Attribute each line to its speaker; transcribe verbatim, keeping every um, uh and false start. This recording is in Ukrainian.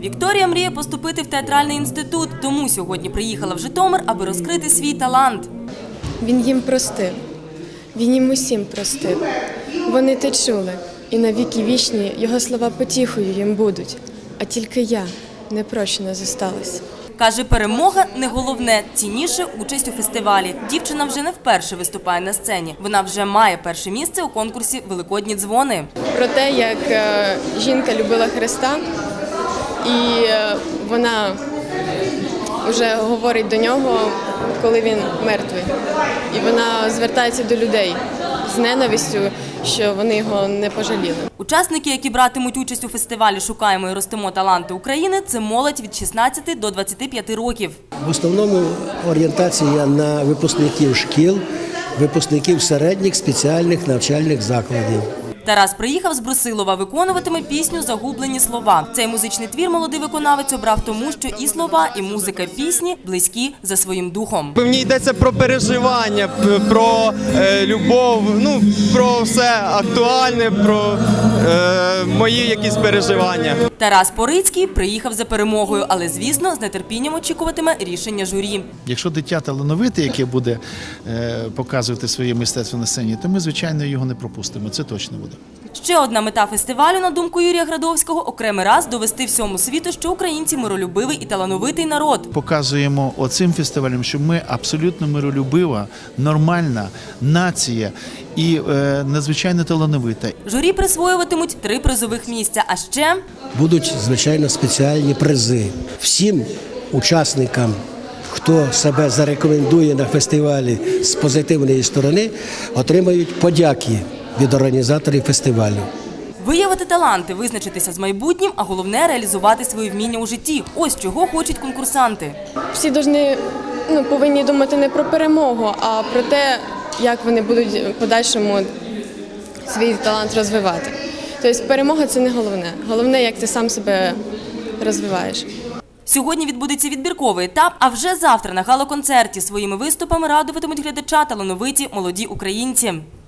Speaker 1: Вікторія мріє поступити в театральний інститут, тому сьогодні приїхала в Житомир, аби розкрити свій талант.
Speaker 2: Він їм простив, він їм усім простив. Вони те чули, і на віки вічні його слова потіхою їм будуть. А тільки я непрощена зосталась.
Speaker 1: Каже, перемога не головне, цінніше участь у фестивалі. Дівчина вже не вперше виступає на сцені. Вона вже має перше місце у конкурсі «Великодні дзвони».
Speaker 2: Про те, як жінка любила Христа, і вона вже говорить до нього, коли він мертвий. І вона звертається до людей з ненавистю, що вони його не пожаліли.
Speaker 1: Учасники, які братимуть участь у фестивалі «Шукаємо і ростимо таланти України» – це молодь від шістнадцяти до двадцяти п'яти років.
Speaker 3: В основному орієнтація на випускників шкіл, випускників середніх спеціальних навчальних закладів.
Speaker 1: Тарас приїхав з Брусилова, виконуватиме пісню «Загублені слова». Цей музичний твір молодий виконавець обрав тому, що і слова, і музика пісні близькі за своїм духом.
Speaker 4: В ній йдеться про переживання, про е, любов, ну, про все актуальне, про е, мої якісь переживання.
Speaker 1: Тарас Порицький приїхав за перемогою, але, звісно, з нетерпінням очікуватиме рішення журі.
Speaker 5: Якщо дитя талановите, яке буде е, показувати своє мистецтво на сцені, то ми, звичайно, його не пропустимо. Це точно буде.
Speaker 1: Ще одна мета фестивалю, на думку Юрія Градовського, окремий раз довести всьому світу, що українці – миролюбивий і талановитий народ.
Speaker 5: Показуємо оцим фестивалем, що ми абсолютно миролюбива, нормальна нація і е, надзвичайно талановита.
Speaker 1: Журі присвоюватимуть три призових місця, а ще…
Speaker 3: Будуть, звичайно, спеціальні призи. Всім учасникам, хто себе зарекомендує на фестивалі з позитивної сторони, отримають подяки від організаторів фестивалю.
Speaker 1: Виявити таланти, визначитися з майбутнім, а головне – реалізувати свої вміння у житті. Ось чого хочуть конкурсанти.
Speaker 2: Всі должны, ну, повинні думати не про перемогу, а про те, як вони будуть в подальшому свій талант розвивати. Тобто перемога – це не головне. Головне, як ти сам себе розвиваєш.
Speaker 1: Сьогодні відбудеться відбірковий етап, а вже завтра на гала-концерті своїми виступами радуватимуть глядача талановиті молоді українці.